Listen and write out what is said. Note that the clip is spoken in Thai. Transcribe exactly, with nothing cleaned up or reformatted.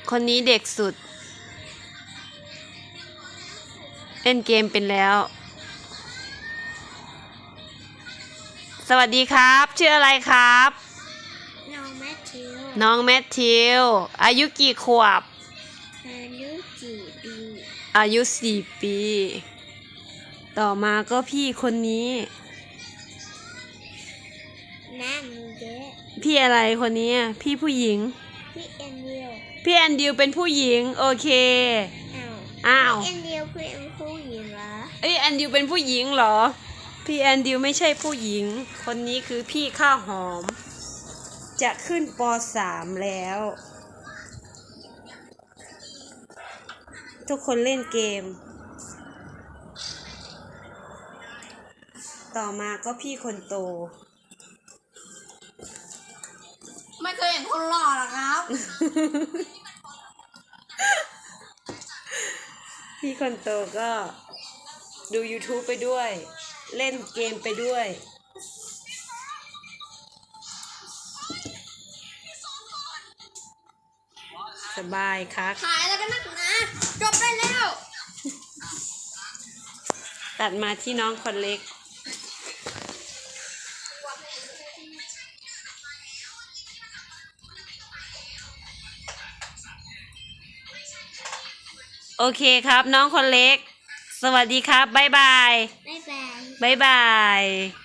คนนี้เด็กสุดเล่นเกมเป็นแล้ว สวัสดีครับชื่ออะไรครับน้องแมทธิวน้องแมทธิวอายุกี่ขวบอายุสี่ปีอายุสี่ปีต่อมาก็พี่คนนี้หน้ามือเยอะพี่อะไรคนนี้พี่ผู้หญิงพี่แอนดิวพี่แอนดิวเป็นผู้หญิงโอเคอ้าวอ้าวพี่แอนดิวเป็นผู้หญิงเหรอเอ้ยแอนดิวเป็นผู้หญิงเหรอพี่แอนดิวไม่ใช่ผู้หญิงคนนี้คือพี่ข้าวหอมจะขึ้นป สามแล้วทุกคนเล่นเกมต่อมาก็พี่คนโตไม่เคยเห็นคนหล่อหรอครับพี่คนโตก็ดู YouTube ไปด้วยเล่นเกมไปด้วยสบายครับถ่ายแล้วกันนักนะจบได้แล้วตัดมาที่น้องคนเล็กโอเคครับน้องคนเล็กสวัสดีครับบ๊ายบายบ๊ายบายบ๊ายบาย